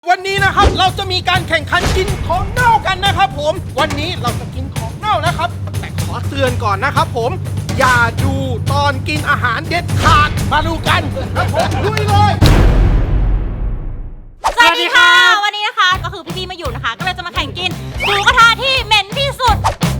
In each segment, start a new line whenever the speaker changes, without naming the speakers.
วันนี้นะครับเราจะมีการแข่งขันกินของเน่ากันนะครับผมวันนี้เราจะกินของเน่านะครับแต่ขอเตือนก่อนนะครับผมอย่าดูตอนกินอาหารเด็ดขาดมาดูกันครับผมลุยเลย
สวัสดีค่ะวันนี้นะคะก็คือพี่ๆมาอยู่นะคะก็เลยจะมาแข่งกินหมูกระทะที่เหม็นที่สุด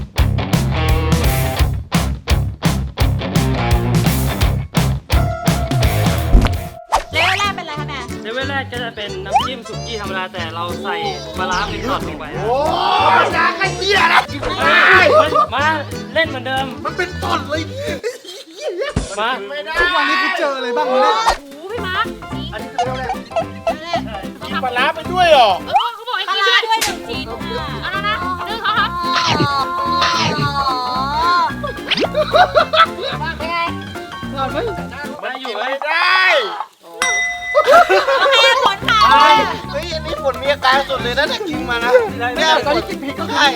เลเวลแรกเป็นอะไรคะแม่
เลเวลแรกก็จะเป็นน้ำจิ้มสุกี้ธรรมดาแต่เราใส่ปลาร้าเป็นช็อตลงไปนะ
โอ้ยยาไอ้เหี้ยนะ
มาเล่นเหมือนเดิม
มันเป็นตอนเลย
มา
ทุกวันนี้กูเจออะไรบ้างวะเนี่ย
โอ้โหพี่มาร์ค
อันนี้คือเรื่องแรก
กิน
ปลาร้าไปด้วยเหรอ
เขาบอกให้กินด้วยหนึ่งชิ้นค่ะเอาละนะดึงเขาครับเป็นไง
มาอยู่ไหม
ได้
โอเคผลค่ะ
เฮ้ยอันนี้ผลมีอาการสุดเลยนะเนี่ยกินมานะเนี่ยตอนที่กินพริกก็ใช่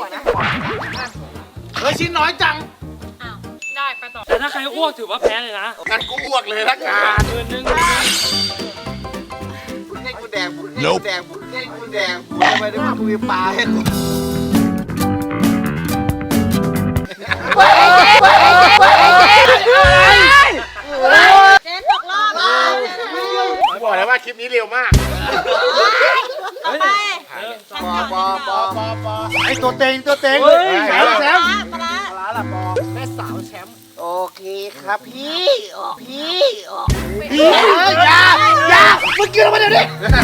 เฮ้ยชิ้นน้อยจัง
อ้าวได้ไปต่อ
แต่ถ้าใครอ้วกถือว่าแพ้เลยนะ
งั้นกูอ้วกเลยละกัน
มือนึง
พูดให้กูแดงพูดให้กูแดงพูดให้กูแดงพูดไปได้มาคุยปลาให้กู
เจนตกรอบเลย
บอกแล้วว่าคลิปนี้เร็วมาก
ต่อไป
ปอไอตัวเต็งแชมป์
ปลา
ร้านละปอแม่สาวแชมป์โอเคครับพี่พี่อย่ามึงกินออกมาเดี๋ยวนี้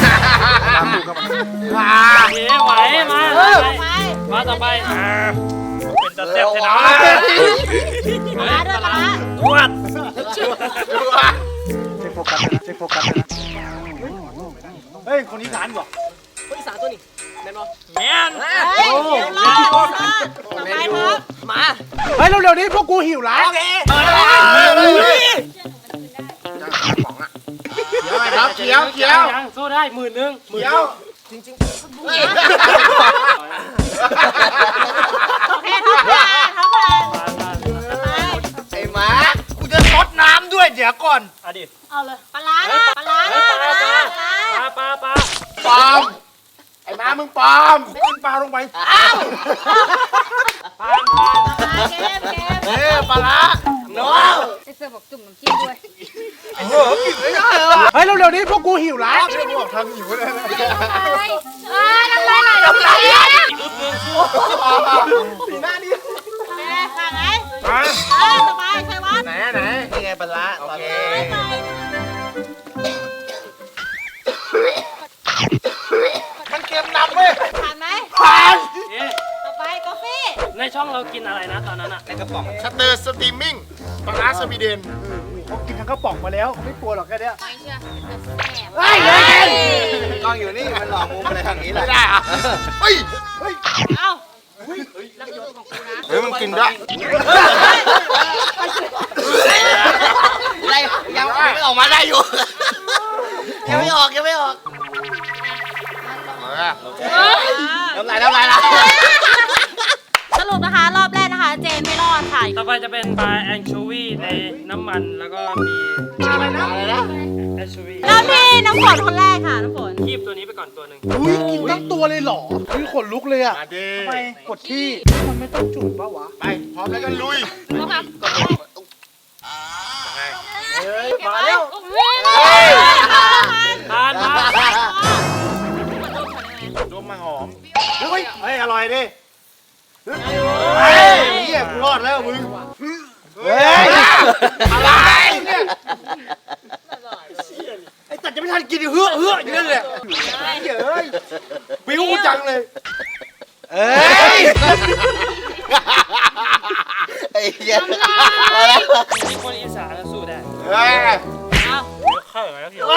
เย้ไหวมา
ไป
มาต่อไปเป็นตะเต็บชนะ
ปลาด้วยปลา
ตรวจ
เช็คโฟกัสนะเช็คโฟกัสนะเฮ้ย คนอีสานบอก
แมน
เฮ้ยเดี๋ยวรอต่อไปครับ
เฮ้ย เร็วๆนี้พวกกูหิวแล้ว
เขียว
ยังสู้ได้มือนึง
โอเคเท่ากันไป
ไอ้หมากูจะซดน้ำด้วยเดี๋ยวก่อน
อดีต
เอาเลยปลาร้านะปลาร้านะปลาร้า
ปลา
ปอมไอ้หมามึงปอมไม่กินปลาลงไป
เกม
ปลาละน้อง
ไอเสือบอกจุ่มน้ำจิ้มด้วย
กินไม่ได้เหรอ
เฮ้ย เร็วๆนี้พวกกูหิวแล้ว
ไม่บอกทำหิวเลยนะ
น้ำลายไหลน้ำลายไหล
สีหน้านี่
แม่ค่ะไหน
มา
สบายใช่วัด
ไหนนี่ไงปลาละโอเคมันเค็มนำเว้ย
ผ่านไหม
ผ่าน
ต่อไปกาแฟ
ในช่องเรากินอะไรนะตอนนั้นอะ
ในกระป๋องชัตเตอร์สตรีมมิ่งปลาละสวีเดน
เขากินทั้งกระป๋องมาแล้วเขาไม่กลัวหรอกแค่เนี้ย
ไม่เชื่อแสบ
เฮ้ย
กล้องอยู่นี่มันหลอกมุมอะไรทางนี้แหละไม่ได้อะเฮ้ย
เอ้ารักยศของกูนะ
เฮ้ยมันกินได้อะไรยังไม่ออกมาได้อยู่ยังไม่ออกน้ำลายละ
สรุปนะคะรอบแรกนะคะ เจนไม่รอดค่ะ
ต่อไปจะเป็นปลาแองโชวีในน้ำมันแล้วก็มี
อะไรนะ
แองโชวี
เริ่มที่น้ำฝนคนแรกค่ะน้ำฝน
คีบตัวนี้ไปก่อนตัวหนึ่ง
อุ้ยกินทั้งตัวเลยเหรอคือขนลุกเลยอ่ะ
มาดิ
ทำไมกดที่มันไม่ต้องจุ่มปะวะ
ไปพร้อมแล้วก็ลุย
เข้ามา
เฮ้ย
มาเร็ว
ทานมา
ดมมาหอม
เฮ้ยอร่อยดิ
เฮ้ยเหี้ยกูรอดแล้วมึงเฮ้ยอะไรเนี่ย
ไอ้ตัดจะไม่ทันกินเฮือกอยู่นั่นแหละเฮ้ยบิ้วกูจังเลย
เอ้ยไอ้เหี้ย
มีคนอีสานสู้ได้
เฮ้ย
เอา
เข้าแล้วพี่
อุ้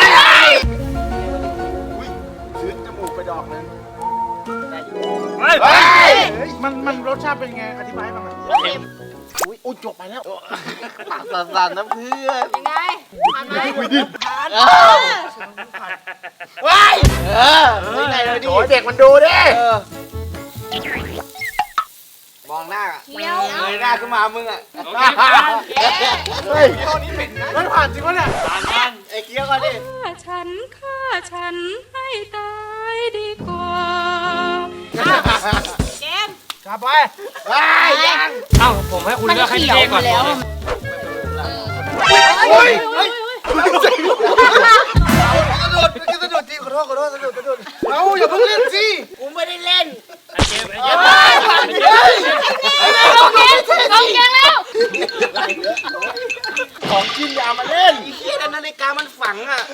ยซื้อจมูกไปดอกนึง
เฮ้ย
เฮ้ย
มันรสชาติเป็นไงอธิบายให้ฟังหน่อย
อุ้ยจบไปแล้วปากสั่นๆนะเพื่อน
ยังไงผ่านไหม
ว้ายนี่ไงเลยดิเด็กมันดูดิมองหน้า
เคี้ยว
เงยหน้าขึ้นมามึงอ่ะ
โอเคผ่าน
เฮ้ยเท่านี้เป็นนะ
มันผ่านจริงวะเนี่ย
ผ่านผ่าน
เ
อ้เคี้ยวก่อนดิ
ฆ่าฉันให้ตายดีกว่า
เกม
กลับไป
ยัง
เอ้าผมให้คุณเลือกให้พี่เท่ก่อนเลย
เฮ้ย
สะดุดสะดุดจริงขอโทษสะดุด
เราอย่าเพิ่งเล่นสิ
กูไม่ได้เล่น
ไอ้เกมไอ้เกม
ลงเกมแล้ว
ของกินอย่ามาเล่นไอ้เคี้ยนาฬิกามันฝังอ่ะ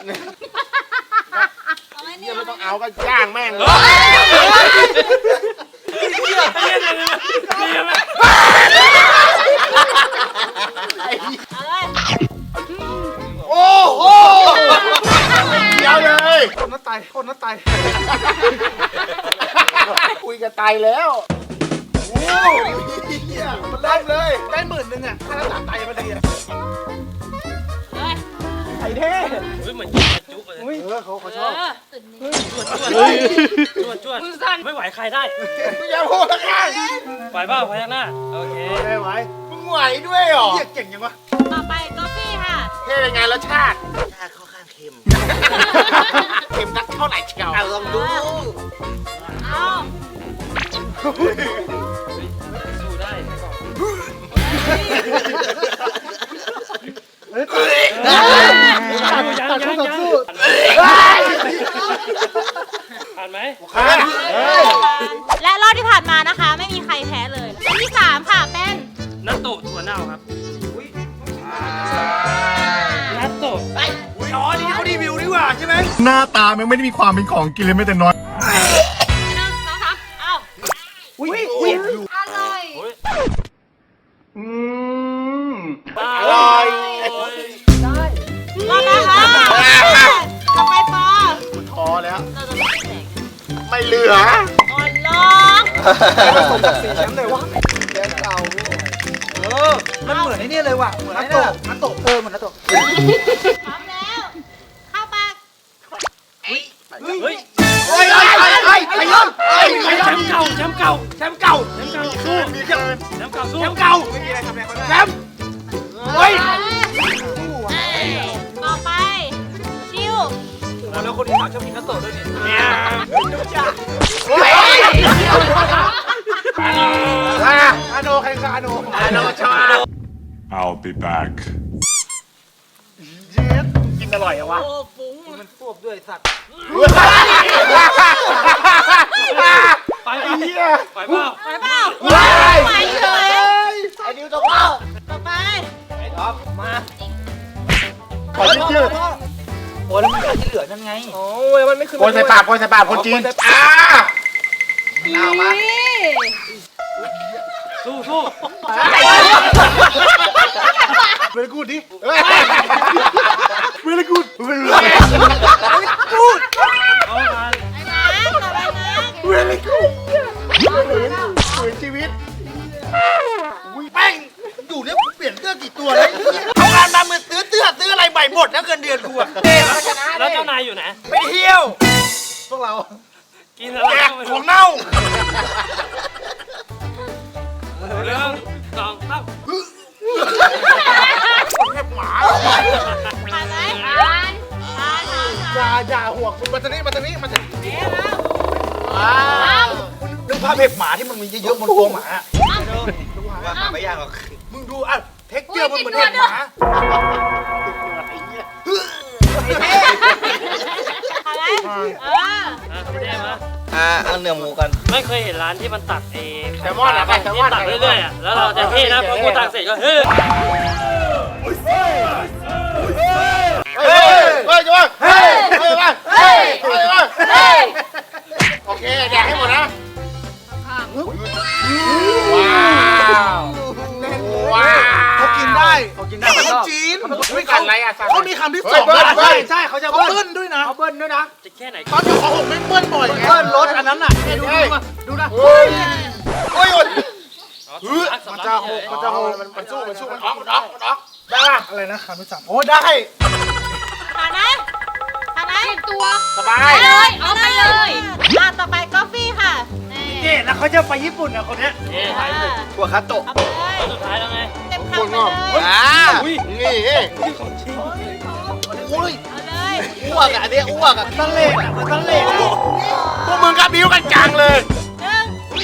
อะไร
เคี้
เนี่ย ย
ไม่ต้องเอาก็ย่างแม่งเลย
เอาเลย
โอ้โหเดี๋ยวเลย
คนน่าตายคนน่าตาย
คุยกันตายแล้วโอ้ยมันเล่นเลย
ได้10,000อ่ะค่ารักษาไตมาดีอ่ะ
เลย
ไอ้เท่
เฮ้ยเหมือนยิงกระจุกเลย
เขาชอบ
จวดไม่ไหวใครได้
มึงอย่าพูดละกัน
ไหวเปล่าพยักหน้าโอเค
ได้ไหว
มึงไหวด้วยเหรอ
เหี้ยเก่งยังวะ
ต่อไปกาแฟค่ะ
เท่เป็นไงรสชาติค่อนข้างเค็มเค็มสักเท่าไหร่เชียวลองดู
เอา
สู้ได้ ยังผ่านไหม
และรอบที่ผ่านมานะคะ ไม่มีใครแพ้เลยรอบที่3ค่ะเป็น
นัตโตะถั่วเน่าครับนัตโตะ
อ๋อนี่เขารีวิวดีกว่าใช่ไหม
หน้าตามันไม่ได้มีความเป็นของกินเลยแม้แต่น้อย
เอา
อุ้ย
โอ้ย
อร่อย
รอบแล้วค่ะต่อไปปอ
พอแล้ว
เราจะไม่แจก
ไม่เหลือ
อ่อนร้อง
สมจากสีแชมป์เลยวะ
แกเก่า
มันเหมือนไอ้นี่เลยว่ะเหมือนนัตโตะเหมือนนัตโตะ
พร้อมแล้ว เข้าปาก
เฮ้ย
เฮ้ยขยัน
แชมป์เก่าแชมป์เก่า
แชมป์เก่า
แชมป์เก่าสู้
มีเกิน
แชมป์เก่าสู้
แชมป์เก่าไม่มีอะไรทำอะไรเขาได้แชมป์เฮ้ย
ต่อไป ชิว
แล้วคนอีสานชอบกินนัตโตะด้วยนี่
เนี่ย
เฮ้ย
อาโนใครคืออาโน
น้องชอบ
I'll be back
กินอร่อยอะวะ
โอ้ฟุ้ง
มันฟวบด้วยสัตว์
ไปเปล่า
ไปเปล่า
ว้าย
ไปเลย
ไอ้ดิวตกรอบ
ต่อไป
ขอชื่อ
โอ้แล้วมันที่เหลือนั่นไงโอ้ยมันไม่ขึ้น
โกยใส่ปากคนจีนเอามา
สู้สู้
เวลกูดดิ
เวลกูด
เอาผ่าน
ไอ้นะต่อไปนะ
เวลกูดสวยชีวิตอุ้ยแป้งอยู่เนี่ยเปลี่ยนเสื้อกี่ตัวแล้วทำงานมามือซื้ออะไรใหม่หมดแล้วเงินเดือนกูอะเด็กชนะ
แล้วเจ้านายอยู่ไหน
ไปเที่ยว
พวกเรา
กินอะไร
แจกของเน่า
เรื่องสองสาม
แทบหมา
ผ่านไหมผ่าน
อย่าห่วงคุณมาตรงนี้
เอ๊ะแล้ว
นึกภาพเห็บหมาที่มันมีเยอะๆบนตัวหมาว่าหาไม่ยากหรอกมึงดูอ่ะเท็กเจอร์มันเหมือนเห็บหมา
ผ่านไหม
พี่เท่มา
เอาเนื้อหมูกัน
ไม่เคยเห็นร้านที่มันตักเอง
แซลมอนอะไปแซลมอน
ตักเรื่อยๆอะแล้วเราจะเท่นะพอกูตักเสร็จก็เฮ้ย
เฮ้ยจังหวะเฮ้ยโอเคแดกให้หมดนะว้าว
เขากินได้แต่คนจีน
ไม่กันอะไรอ่ะ
เขามีคำที่สองใช่เขาจะเบิ้ลด้วยนะเขาเบิ้ลด้วยนะ
จะแค่ไหน
ตอนอยู่ของผมไม่เบิ้ลบ่อยไงเบิ้ลรถอันนั้นน่ะดูนะ
โอ้ย
มันจะหก
มันสู้มันออกได้ป่ะ
อะไรนะคำที่สามโอ้ได้
ผ่านไหมผ่านไหมตัว
สบาย
เลยเอาไปเลยต่อไปกาแฟค่ะ
นี่แล้วเขาจะไปญี่ปุ่นอ่ะคนเนี้ย
เท่ถ่ายสุด
ตัวคัตโตะ
เอาไปเลย
สุดท้ายแล้วไง
เต็มคำไปเลย
นี่
ของจริง
อุ้ย
เอา
อ้วกอ่ะเนี่ยอ้วกอ่ะตั้งเล่อ่ะมันตั้งเล่พวกมึงกับบิ้วกันจังเลย
หนึ่ง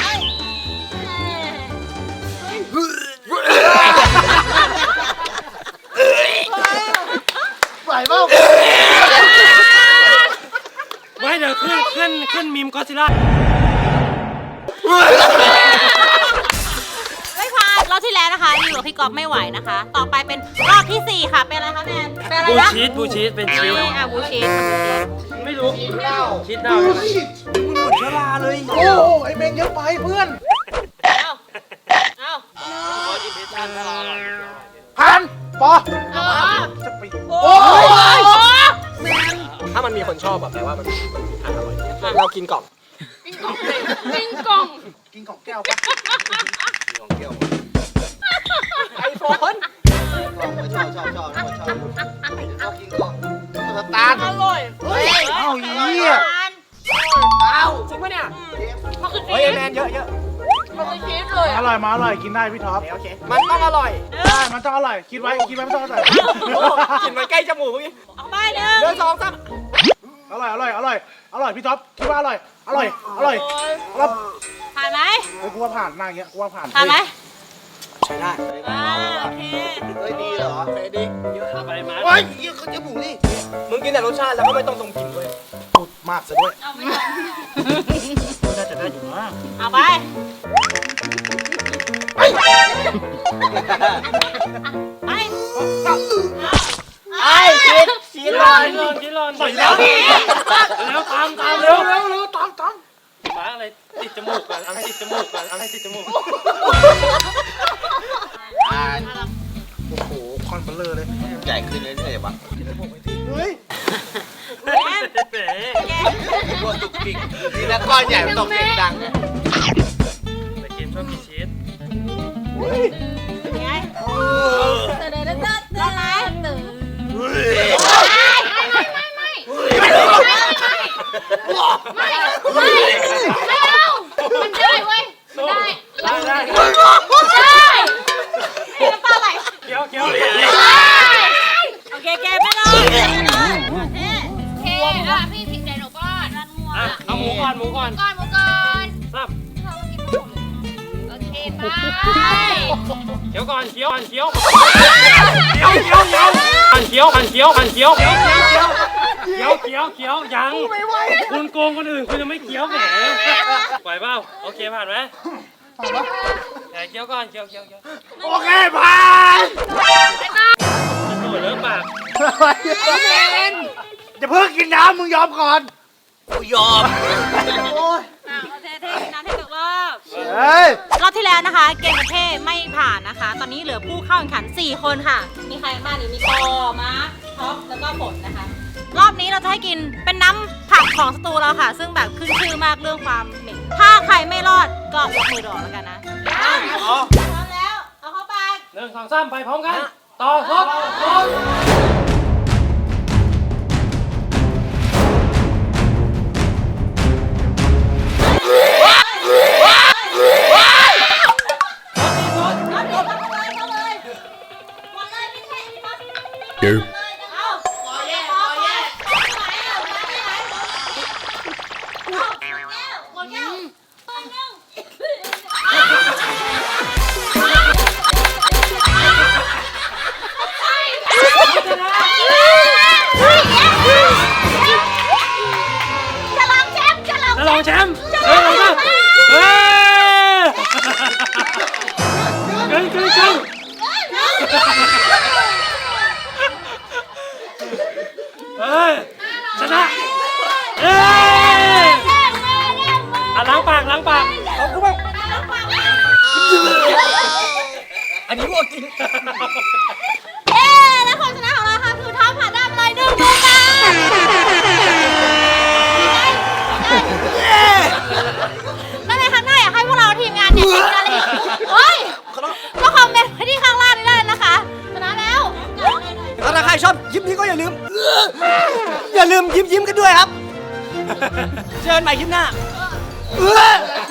ไป
ไหวเปล่า
ไม่เดี๋ยวขึ้นมีมก็ซิล่า
ไม่ผ่านรอบที่แล้วนะคะอยู่กับพี่ก๊อฟไม่ไหวนะคะ ต่อไปเป็นรอบที่ 4 ค่ะ เป็นอะไรคะแนนเป็นอะไร
บู
นะ
ชีสเป็นชีส
อ่ะบูชีส
ไม่รู้ชีสเน่า
โอ้ไอเมงเยอะไปเพื่อน
เอาเอา
ขออิมเพรสชั่นถ้าเราอร่อย
พันปอ
เอา
โอ้ย
ถ้ามันมีคนชอบแบบแปลว่ามันมีทางอร่อยเรากินกล่อง
ปิ้งกล่อง
กินของแก้วปะกินของแก้ว
ไอโฟน
ชอบชอบกินของสตาร์ท
อร่อย
เฮ้ยเอ้าเหี้ย
อ้าวจริงปะเนี่ย
มันคือชี
เฮ้ย
ส
แมนเยอะ
มันคือชีสเลย
อร่อยมาอร่อยกินได้พี่ท็อป
โอเคมันต้องอร่อย
ได้มันต้องอร่อยคิดไว้ไม่ต้องอร่อย
กลิ่นมันใกล้จมูกเมื่อกี้
เอาไปหนึ่ง
เดิน2 3
อร่อยพี่ท็อปคิดว่าอร่อยแล้ว
ผ่านไหม
กูว่าผ่านหน้าอย่างเงี้ยกูว่าผ่าน
ผ่านไหม
ใช้ได้
อ่าโอเค
เฮ้ยดีเหรอ
เฟรดิกเยอะ
ไปมา
เฮ้ยเหี้ยเขาจะบุกนี่
มึงกินแต่รสชาติแล้วก็ไม่ต้องตรงกลิ่นด้วย
พูดมากซะด้วย
เอาไปก่อน
น่าจะได้อยู่นะ
เอาไป ไป
ไอ้ชีสชีสลอย
ชีสลอนแล้วตามเร็วตามมาอะไรติดจมูกกันอะไรติดจมูก
โอ้โหคอนเบลเลอร์เลย
ใหญ่ขึ้นเรื่อยๆวะ
เฮ้ย
แก
เป๋
แก
ตัวตุกติกทีละก้อนใหญ่มันตกเสียงดัง
แต่เกมชอบกินชีส
ไงเดินไหม
มันได้เว้ยมันได้
ได้
น้ำตาไหล
เคี้ยว
โอเคแกไม่รอดโอเค
โอเคอ่ะพี่ผิดใจหนูก่อน
รันหัว
เอาหมูก่อน
หมูก่อน
ซับ
โอเคไป
เคี้ยวก่อนเคี้ยวเคี้ยวยังคุณโกงคนอื่นคุณจะไม่เคี้ยวแหมไหวเปล่าโอเคผ่านไหมเคี้ยวก่อนเคี้ยว
โอเคผ่าน
โอ้ยเริ่มปาก
จะเพิ่งกินน้ำมึงยอมก่อน
กูยอม
โอเคเทน้ำเทตกรอบ
เฮ้ย
รอบที่แล้วนะคะ เกมประเภทไม่ผ่านนะคะ ตอนนี้เหลือผู้เข้าแข่งขัน 4 คนค่ะ มีใครบ้างนี่มีปอมาร์คท็อปแล้วก็ฝนนะคะ รอบนี้เราจะให้กินเป็นน้ำผักของสตูเราค่ะ ซึ่งแบบขึ้นชื่อมากเรื่องความเหม็นถ้าใครไม่รอดก็ยกมือรอแล้วกันนะพร้อมแล้ว เอาเข้าไป
1 2 3ไปพร้อมกันต่อครบ จะลองแชมป์เฮ้ยกึ่งเฮ้ยชนะเอ้ยล้างปากเอากูบ้าง
อันนี้พวกกิน
และคนชนะของเราค่ะคือท็อปผ่านได้ไปเลย1 ดวงดาวแล้วในครั้งหน้าอยากให้พวกเราทีมงานเนี่ยกินอะไรอีกเฮ้ยก็คอมเมนต์ไว้ที่ข้างล่างนี้ได้นะคะชนะแล้ว
ถ้าใครชอบยิ้มนี้ก็อย่าลืมยิ้มกันด้วยครับ เจอกันใหม่คลิปหน้า